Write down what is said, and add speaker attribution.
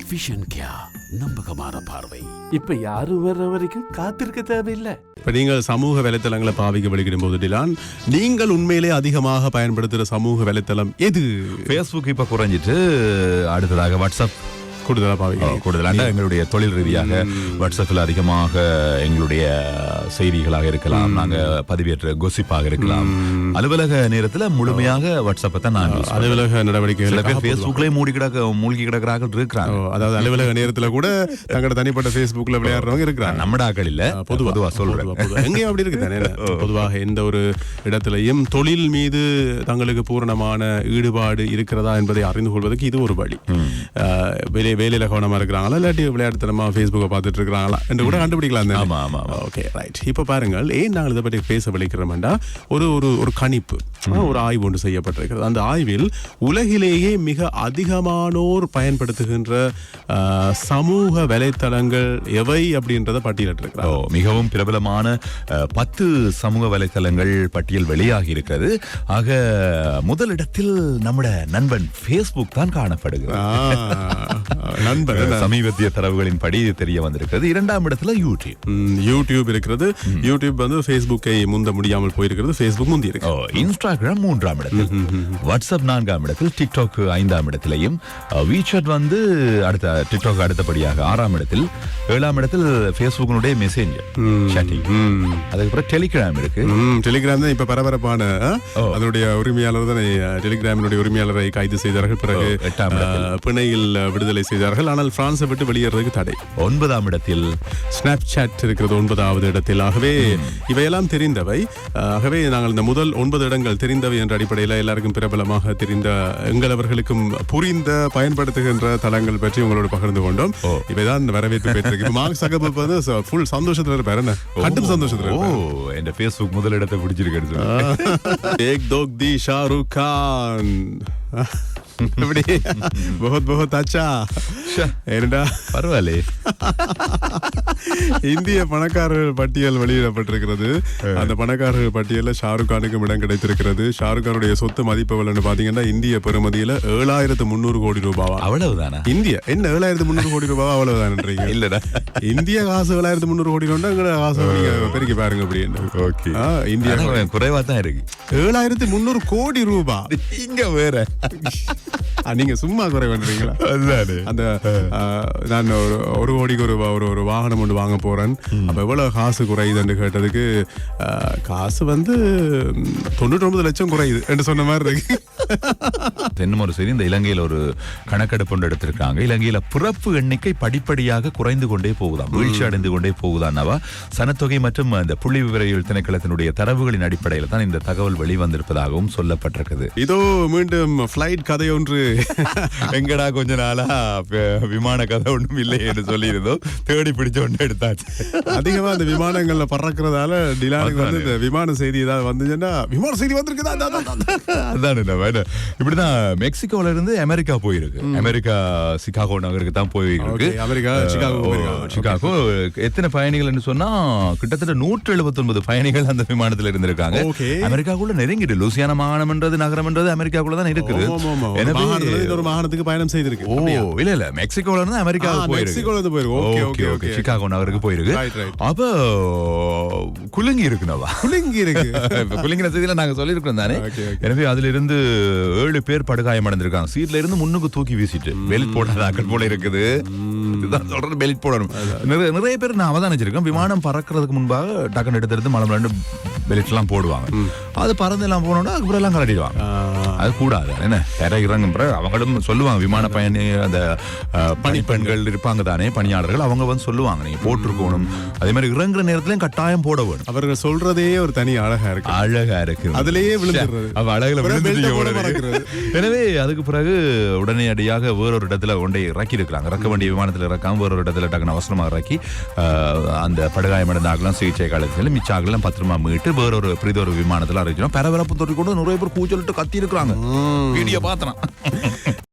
Speaker 1: Vision கியா, நம்பகமான பார்வை.
Speaker 2: இப்ப யாரும் வர்ற வரைக்கும் காத்திருக்க தேவையில்லை.
Speaker 3: இப்போ நீங்கள் சமூக வலைத்தளங்களை பாவிக்க வலிக்கிடும் போது டிலான், நீங்கள் உண்மையிலே அதிகமாக பயன்படுத்துகிற சமூக வலைத்தளம் எது?
Speaker 4: ஃபேஸ்புக் இப்போ குறைஞ்சிட்டு அடுத்ததாக வாட்ஸ்அப்
Speaker 3: கூடுதலாக பாவிக்கிறீங்க?
Speaker 4: கூடுதலாக எங்களுடைய தொழில் ரீதியாக வாட்ஸ்அப்பில் அதிகமாக எங்களுடைய செய்திகளாக இருக்கலாம், நாங்கள் பதிவேற்ற கொசிப்பாக இருக்கலாம். அலுவலக நேரத்தில் முழுமையாக வாட்ஸ்அப்பை தான் நான்
Speaker 3: அலுவலக நடவடிக்கைகள்
Speaker 4: சில பேர் ஃபேஸ்புக்லேயே மூழ்கி கிடக்கிறார்கள் இருக்கிறாங்க.
Speaker 3: அதாவது அலுவலக நேரத்தில் கூட தங்களோட தனிப்பட்ட ஃபேஸ்புக்கில் விளையாடுறவங்க இருக்கிறாங்க.
Speaker 4: நம்ம ஆக்கள் இல்லை, பொதுவாக சொல்றேன்.
Speaker 3: எங்கேயும் அப்படி இருக்கு தானே. பொதுவாக எந்த ஒரு இடத்திலையும் தொழில் மீது தங்களுக்கு பூரணமான ஈடுபாடு இருக்கிறதா என்பதை அறிந்து கொள்வதற்கு இது ஒரு வழி. வேலையில கவனமா இருக்கிறாங்களா, இல்லாட்டி விளையாட்டுத்தனமா ஃபேஸ்புக்கை பார்த்துட்டு இருக்கிறாங்களா என்று கூட கண்டுபிடிக்கலாம். Okay, right. இப்போ பாருங்கள், ஏன் நாங்கள் இதை பற்றி பேச விளைக்கிறோம்டா, ஒரு கணிப்பு, ஒரு ஆய்வு ஒன்று செய்யப்பட்டிருக்கிறது. அந்த ஆய்வில் உலகிலேயே மிக அதிகமானோர் பயன்படுத்துகின்ற சமூக வலைத்தளங்கள் எவை அப்படின்றத பட்டியலிட்டிருக்கிறார்.
Speaker 4: மிகவும் பிரபலமான 10 சமூக வலைத்தளங்கள் பட்டியல் வெளியாகி இருக்கிறது. ஆக முதலிடத்தில் நம்முடைய நண்பன் ஃபேஸ்புக் தான் காணப்படுகிறது. சமீபத்திய தரவுகளின் படி தெரிய வந்திருக்கிறது. 2ஆம் இடத்துல
Speaker 3: யூடியூப் இருக்கிறது. யூடியூப் வந்து ஃபேஸ்புக்கை முந்த முடியாமல் போயிருக்கிறது. ஃபேஸ்புக் முந்தி இருக்கு.
Speaker 4: இன்ஸ்டாகிராம் 3ஆம் இடத்தில், வாட்ஸ்அப் 4ஆம் இடத்தில், டிக்டாக் 5ஆம் இடத்திலையும், வீசாட் வந்து அடுத்த டிக்டாக் அடுத்தபடியாக 6ஆம் இடத்தில், 7ஆம் இடத்தில் ஃபேஸ்புக்கினுடைய மெசேஞ்சர் சாட்டிங். அதுக்கப்புறம் டெலிகிராம் இருக்கு.
Speaker 3: டெலிகிராம் தான் இப்ப பரபரப்பான, அதனுடைய உரிமையாளர் தான் டெலிகிராமினுடைய உரிமையாளரை கைது செய்தார்கள். பிறகு
Speaker 4: 8ஆம் இடத்தில்
Speaker 3: பிணையில் விடுதலை செய்தார்கள். ஆனால் பிரான்ஸை விட்டு வெளியேறதுக்கு தடை.
Speaker 4: 9ஆம் இடத்தில்
Speaker 3: ஸ்னாப்சாட் இருக்கிறது 9வது இடத்தில். ஆகவே இவையெல்லாம் தெரிந்தவை. ஆகவே நாங்கள் இந்த முதல் 9 இடங்கள் தெரிந்தவை என்ற அடிப்படையில் எல்லாருக்கும் பிரபலமாக தெரிந்த எங்களவர்களுக்கும் புரிந்த பயன்படுத்துகின்ற தளங்கள் பற்றி உங்களோட பகிர்ந்து கொண்டோம். இவைதான் வரவேற்பு பெற்றிருக்கு. மார்க் சகர்பர்க் வந்து ஃபுல் சந்தோஷத்துல இருப்பாரு. என்ன கட்டும் சந்தோஷத்துல இருப்பாரு.
Speaker 4: என் ஃபேஸ்புக் முதல் இடத்தை பிடிச்சிருக்கு.
Speaker 3: ஏக் தோக் தி ஷாருக் கான். बहुत अच्छा.
Speaker 4: பரவாயில்ல.
Speaker 3: இந்திய பணக்காரர்கள் பட்டியல் வெளியிடப்பட்டிருக்கிறது. அந்த பணக்காரர்கள் பட்டியலில் ஷாருக் கானுக்கும் இடம் கிடைத்திருக்கிறது. ஷாருக் கானுடைய சொத்து மதிப்பு எவ்வளவு பாத்தீங்கன்னா இந்திய பெறுமதியில 7300 கோடி ரூபாவா?
Speaker 4: அவ்வளவுதானா?
Speaker 3: இந்திய என்ன 7300 கோடி ரூபாவா? அவ்வளவுதான்றீங்க? இல்லடா, இந்திய காசு 7300 கோடி கொண்டா எங்க காசு நீங்க பெருக்கி பாருங்க அப்படின்னு.
Speaker 4: ஓகே,
Speaker 3: இந்தியா
Speaker 4: குறைவா தான் இருக்கு.
Speaker 3: 7300 கோடி ரூபாய்.
Speaker 4: இங்க வேற
Speaker 3: நீங்க சும்மா குறைவன்றீங்களா? அந்த நான் ஒரு கோடிக்கு ஒரு வாகனம் ஒன்று வாங்க போறேன். அப்ப எவ்வளவு காசு குறையுதுன்னு கேட்டதுக்கு காசு வந்து 99 லட்சம் குறையுது என்று சொன்ன மாதிரி இருக்கு.
Speaker 4: இன்னும் ஒரு சரி, இந்த இலங்கையில் ஒரு கணக்கெடுப்பு ஒன்று எடுத்திருக்காங்க. இலங்கையில பிறப்பு எண்ணிக்கை படிப்படியாக குறைந்து கொண்டே போகுதாம், வீழ்ச்சி அடைந்து கொண்டே போகுதான்னவா. சனத்தொகை மற்றும் இந்த புள்ளி விவரவியல் திணைக்களத்தினுடைய தரவுகளின் அடிப்படையில் தான் இந்த தகவல் வெளிவந்திருப்பதாகவும் சொல்லப்பட்டிருக்குது.
Speaker 3: இதோ மீண்டும் பிளைட் கதை ஒன்று.
Speaker 4: எங்கடா கொஞ்ச நாளா விமான கதை ஒன்றும் இல்லை என்று சொல்லி இருந்தோம், தேடி பிடிச்ச ஒன்று எடுத்தாச்சு.
Speaker 3: அதிகமா அந்த விமானங்கள்ல பறக்கிறதால டிலானுக்கு வந்து இந்த விமான செய்தி ஏதாவது வந்துச்சுன்னா, விமான செய்தி வந்திருக்குதா
Speaker 4: அதான். இப்படிதான் மெக்சிகோல இருந்து அமெரிக்கா போயிருக்கு. அமெரிக்கா சிகாகோ நகருக்கு தான் போயிருக்கு.
Speaker 3: அமெரிக்கா
Speaker 4: சிகாகோ எத்தனை பயணிகள் சொன்னா கிட்டத்தட்ட 179 பயணிகள் அந்த விமானத்துல இருந்திருக்காங்க. அமெரிக்காக்குள்ள நெருங்கிட்டு லூசியானா மாகாணம்ன்றது நகரம்ன்றது அமெரிக்காக்குள்ள தான் இருக்குது.
Speaker 3: ஒரு மாகாணத்துக்கு பயணம் செய்திருக்கு.
Speaker 4: இல்ல மெக்சிகோல இருந்து அமெரிக்காவுக்கு போயிருக்கு. சிகாகோ நகருக்கு போயிருக்கு. அப்ப குலுங்கி இருக்குனவா, குலுங்கி இருக்கு. குலுங்கின செய்தியில நாங்க சொல்லியிருக்கோம் தானே. எனவே அதுல இருந்து 7 பேர் படுகாயம் அடைந்திருக்காங்க. சீட்ல இருந்து முன்னுக்கு தூக்கி வீசிட்டு பெல்ட் போடாதாக்கள் போல இருக்குது. இதுதான் சொல்றது, பெல்ட் போடணும். நிறைய பேர் நான் அவதானிச்சிருக்கேன், விமானம் பறக்கிறதுக்கு முன்பாக டக்குன்னு எடுத்து மலம் பெல்ட் எல்லாம் போடுவாங்க. அது பறந்து எல்லாம் போனோம்னா அதுக்கப்புறம் எல்லாம் கலட்டிடுவாங்க. அது கூடாது என்ன, இறங்குற அவங்களும் சொல்லுவாங்க. விமான பயணி அந்த பணிப்பெண்கள் இருப்பாங்க தானே, பணியாளர்கள், அவங்க வந்து சொல்லுவாங்க நீங்க போட்டிருக்கணும். அதே மாதிரி இறங்குற நேரத்திலும் கட்டாயம் போட வேணும்.
Speaker 3: அவர்கள் சொல்றதே ஒரு தனி அழகா இருக்கு.
Speaker 4: அழகா இருக்கு,
Speaker 3: அதுலயே விழுந்துறது.
Speaker 4: எனவே அதுக்கு பிறகு உடனடியாக வேறொரு இடத்துல கொண்டே இறக்கி இருக்கிறாங்க. இறக்க வேண்டிய விமானத்தில் இறக்காம வேறொரு இடத்துல டக்குனு அவசரமாக இறக்கி அந்த படுகாயமடைந்த ஆகலாம் சிகிச்சை காலத்தில் மிச்சாகலாம் பத்திரமா மீட்டு வேறொரு பிரிதொரு விமானத்தில் அறிவிச்சோம். பரபரப்பு தொட்டி கொண்டு நிறைய பேர் கூச்சலிட்டு கத்தி இருக்கிறாங்க. வீடியோ பார்த்தனா